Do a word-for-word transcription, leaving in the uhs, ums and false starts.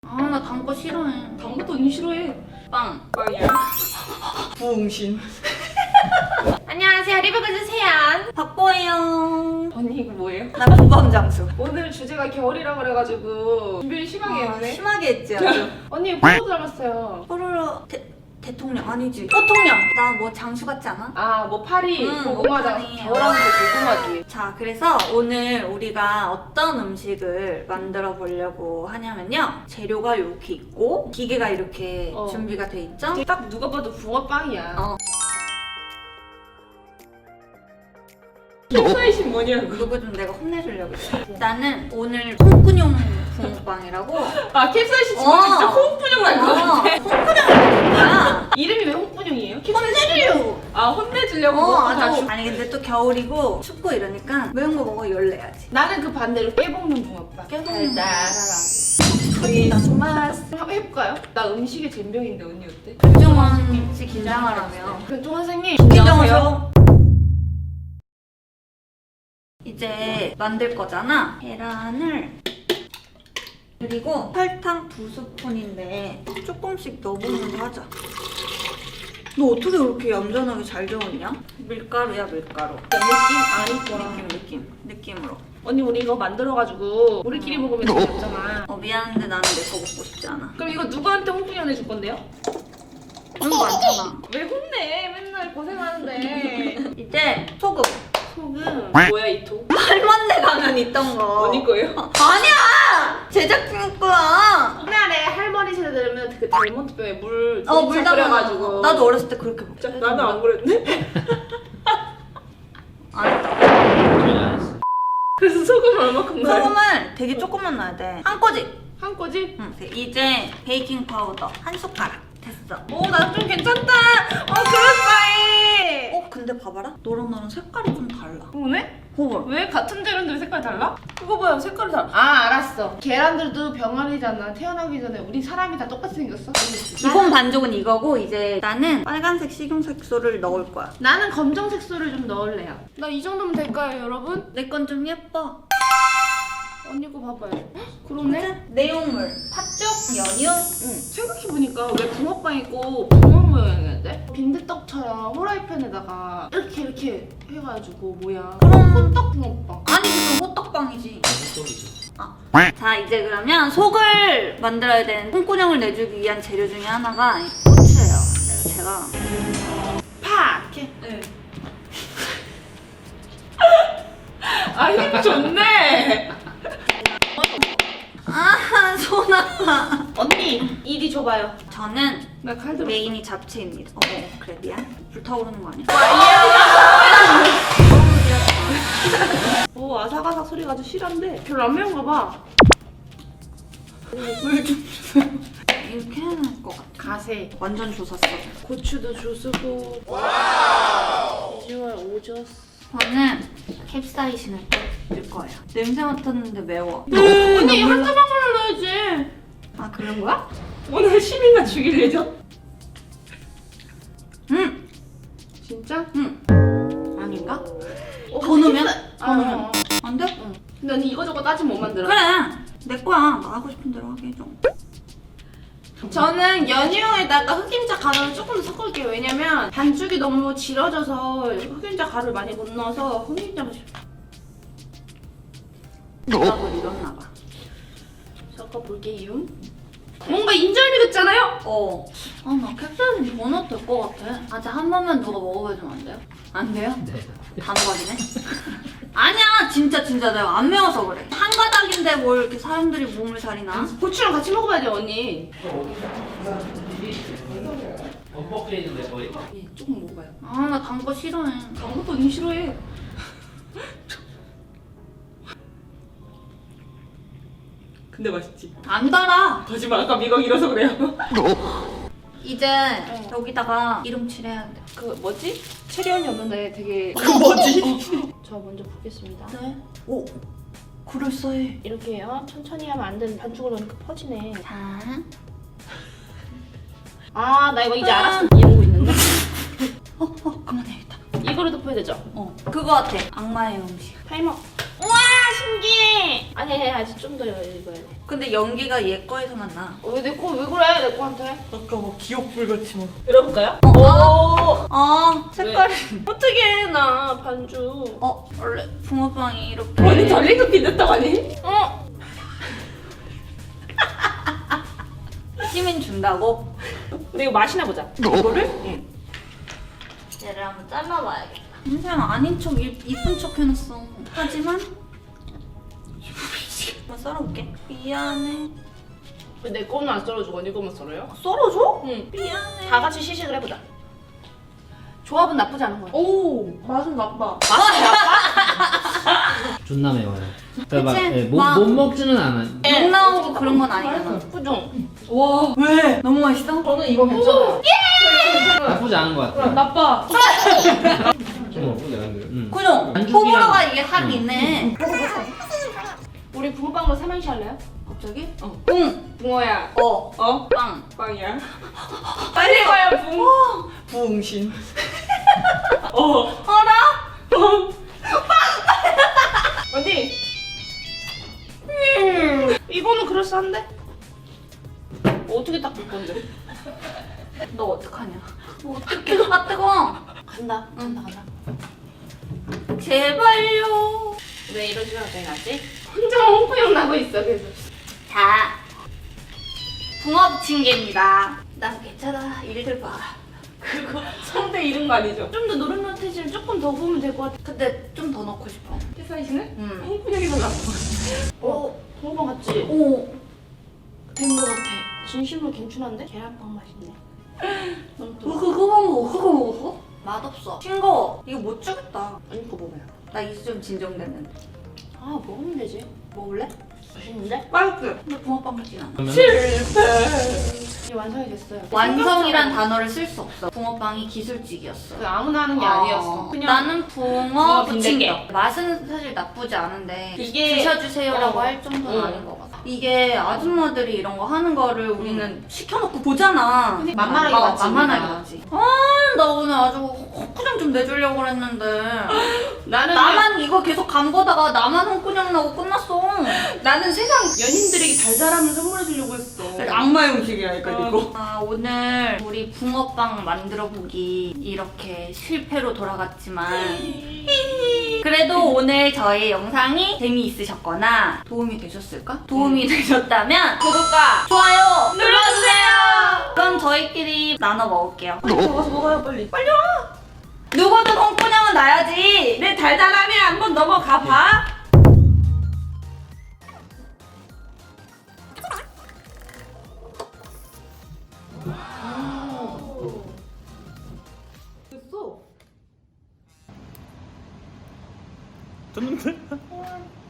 아, 나 단 거 싫어해. 단 것도 언니 싫어해. 빵. 빵이야? 부응신. 안녕하세요. 리뷰그즈 세안. 박보예요. 언니 이거 뭐예요? 나 구범장수. 오늘 주제가 겨울이라 그래가지고 준비를 심하게 아, 했네. 심하게 했지 아주. 언니 포도 닮았어요. 뽀로로 대, 대통령 아니지. 대통령. 나 뭐 장수 같지 않아? 아 뭐 파리 응, 고구마장 파리. 겨울하는 거 궁금하지. 자, 그래서 오늘 우리가 어떤 음식을 만들어 보려고 하냐면요. 재료가 이렇게 있고 기계가 이렇게 어. 준비가 돼 있죠? 딱 누가 봐도 붕어빵이야. 어. 캡사이신 뭐냐고. 누구 좀 내가 혼내주려고 그래. 나는 오늘 홍군용 붕어빵이라고. 아 캡사이신 어. 지금 진짜 홍분용 날것 같아. 홍군용이 뭐야? 이름이 왜 홍분용이에요? 혼내주려고. 아 혼내주려고 어, 먹고 다 아주. 주... 아니 근데 또 겨울이고 춥고 이러니까 매운 거 먹어 열내야지. 나는 그 반대로 깨볶는 붕어빵. 깨볶는 달달하고. 크리스마스. 한번 해볼까요? 나 음식에 젬병인데 언니 어때? 김정원 씨 긴장하라며. 변종 선생님 긴장하세요. 이제 만들 거잖아. 계란을 그리고 설탕 두 스푼인데 조금씩 넣어보면서 하자. 너 어떻게 그렇게 얌전하게 잘 저었냐? 밀가루야 밀가루. 느낌 아닐 느낌 거야. 느낌 느낌으로. 언니 우리 이거 만들어가지고 우리끼리 먹으면 재미없잖아. 어 미안한데 나는 내 거 먹고 싶지 않아. 그럼 이거 누구한테 홍분용 해줄 건데요? 그런 거 많잖아. 왜 혼내? 맨날 고생하는데. 이제 소금. 소금. 뭐야 이 통? 할머니 가면 있던 거. 언니 거예요? 아니야! 제작진 거야. 옛날에 할머니 세대 들으면 그 달몬트병에 물 어, 물 담아. 끓여가지고. 나도 어렸을 때 그렇게 먹자. 나는 안 그랬네. 안 했다. 그래서 소금 얼마큼 넣어요? 소금을 되게 조금만 넣어야 돼. 한 꼬집. 한 꼬지? 응. 이제 베이킹 파우더 한 숟가락. 됐어. 오, 나 좀 괜찮다. 어, 그럴싸해. 어, 근데 봐봐라. 너랑 나랑 색깔이 좀 달라. 오네? 봐봐. 왜 같은 재료인데 왜 색깔이 달라? 그거 봐요, 색깔이 달라. 아, 알았어. 계란들도 병아리잖아. 태어나기 전에 우리 사람이 다 똑같이 생겼어? 기본 반죽은 이거고 이제 나는 빨간색 식용색소를 넣을 거야. 나는 검정 색소를 좀 넣을래요. 나 이 정도면 될까요, 여러분? 내 건 좀 예뻐. 언니 거 봐봐요. 헉, 그러네? 내용물, 팥죽, 연유. 응. 생각해보니까 왜 붕어빵 있고 붕어 모양이었는데? 빈대떡처럼 후라이팬에다가 이렇게 이렇게 해가지고 뭐야. 그럼 호떡 붕어빵. 아니 그건 호떡빵이지. 아. 자 이제 그러면 속을 만들어야 되는 홍군형을 내주기 위한 재료 중에 하나가 이 고추예요. 그래서 제가 파! 이렇게. 네. 아, 힘 좋네! 아 손 아파. 언니, 이리 줘봐요. 저는 나 칼 들었어. 메인이 잡채입니다. 어 그래 미안. 불타오르는 거 아니야? 오, 아삭아삭 소리가 아주 실한데 별로 안 매운가 봐. 물좀 주세요. 이렇게 해야 될 것 같아. 가세. 완전 조샀어. 고추도 주스고. 와우. 비주얼 오졌어. 저는 캡사이신을 넣을 거예요. 냄새 맡았는데 매워. 언니, 한 조각만 넣어야지. 아 그런 거야? 오늘 시민만 죽일 예정? 응. 진짜? 응. 아닌가? 어, 더 넣으면? 캡사- 더 넣으면? 어. 안 돼? 응. 근데 언니 이거저거 따지면 못 만들어. 그래. 내 거야. 나 하고 싶은 대로 하게 해줘. 저는 연유에다가 흑임자 가루를 조금 더 섞을게요. 왜냐면 반죽이 너무 질어져서 흑임자 가루를 많이 못 넣어서 흑임자 맛이 생각을 잃었나 봐. 섞어볼게요. 뭔가 인절미 같잖아요? 어. 아, 나 캡사이신 더 넣어도 될 것 같아. 아직 한 번만 누가 먹어봐주면 안 돼요? 안 돼요? 단호박이네? 아니야, 진짜 진짜 내가 안 매워서 그래. 한 가닥인데 뭘 이렇게 사람들이 몸을 살이나? 고추랑 같이 먹어봐야 돼, 언니. 원버크레이드인데 거의? 예, 조금 먹어봐요. 아, 나 단 거 싫어해. 단 것도 언니 싫어해. 근데 맛있지? 안 달아. 거짓말, 아까 미각 잃어서 그래요. 이제 여기다가 기름칠 해야 돼. 그 뭐지? 체리 언니 없는데 되게 그 뭐지? 저 먼저 붓겠습니다. 네. 오, 그럴싸해. 이렇게 해요. 천천히 하면 안 되는 반죽을 넣으니까 퍼지네. 자. 아, 나 이거 이제 알았어. 이러고 있는데. 어, 어, 그만해야겠다. 이거를 덮어야 되죠? 어, 그거 같아. 악마의 음식. 타이머. 우와! 신기해. 아니 아직 좀 더 익어야 돼. 근데 연기가 얘 거에서만 나. 어, 왜 내 거 왜 그래 내 거한테? 아까 뭐 기억불같이 막. 이러볼까요? 어, 아, 색깔이. 어떻게 나 반주. 어, 원래 붕어빵이 이렇게. 언니 달리도 빈대떡 아니? 어. 시민 준다고? 근데 이거 맛이나 보자. 이거를? 응. 얘를 한번 잘라봐야겠다. 그냥 아닌 척 이, 이쁜 척 해놨어. 하지만 한번 썰어볼게. 미안해. 왜 내 거는 안 썰어주고 언니 거만 썰어요? 썰어줘? 응. 미안해. 다 같이 시식을 해보자. 조합은 나쁘지 않은 거야. 오 맛은 나빠. 존나 매워요. 그러니까 막, 그치? 예, 못, 막- 못 먹지는 않아. 욕 나오고 그런 건 아니잖아. 그죠? 와 왜? 너무 맛있어? 저는 이거 괜찮아요. 나쁘지 않은 것 같아. 나빠. 응. 그죠? 반죽이랑- 호불호가 이게 확 응. 있네. 우리 붕어빵으로 삼행시 할래요? 갑자기? 어. 붕! 붕어야. 어. 어? 빵. 빵이야. 빨리 가요 붕. 부응신. 어. 어라? 언니. 음, 이거는 그럴싸한데? 어떻게 닦을 건데? 너 어떡하냐? 뭐 어떡해. 아, 뜨거워. 간다. 간다 간다. 제발요. 왜 이러지면 갑자기 나지? 혼자 홍보용 나고 있어 그래서. 자. 붕어 부침개입니다. 난 괜찮아. 일들 봐. 그거 상대 이름 거 아니죠? 좀 더 노릇노릇해지면 조금 더 구우면 될 것 같아. 근데 좀 더 넣고 싶어. 태사이시는? 응. 홍보용이 더 나고. 오. 어, 붕어빵 같지? 오. 된 것 같아. 진심으로 괜찮은데? 계란빵 맛있네. 너무 너 또. 그거 먹어? 그거 먹었어? 맛없어. 싱거워. 이거 못 주겠다. 아니 그거 먹어요. 나 이제 좀 진정됐는데. 아 먹으면 되지. 먹을래? 맛있는데? 맛있어. 근데 붕어빵 같진 않아. 그러면 이제 완성이 됐어요. 완성이란 단어를 쓸 수 없어. 붕어빵이 기술직이었어. 그 아무나 하는 게 아, 아니었어. 그냥 나는 붕어 붕어 부침개. 빈대떡. 맛은 사실 나쁘지 않은데 이게- 드셔주세요라고 어. 할 정도는 응. 아닌 것 같아. 이게 아줌마들이 이런 거 하는 거를 우리는 시켜놓고 보잖아. 근데 만만하게 어, 봤지, 만만하게 우리가. 봤지. 아, 나 오늘 아주 헛구정 좀 내주려고 그랬는데 나는 나만 이거 계속 간 거다가 나만 헛구정 나고 끝났어. 나는 세상 연인들에게 달달함을 선물해 주려고 했어. 악마의 음식이라니까 이거. 아, 오늘 우리 붕어빵 만들어 보기 이렇게 실패로 돌아갔지만 그래도 오늘 저의 영상이 재미있으셨거나 도움이 되셨을까? 도움이 되셨다면 구독과 좋아요 눌러주세요. 그럼 저희끼리 나눠 먹을게요. 저 가서 먹어요 빨리. 빨리 와. 누구든 홍코냥은 나야지. 내 달달함에 한번 넘어가 봐. 됐는데?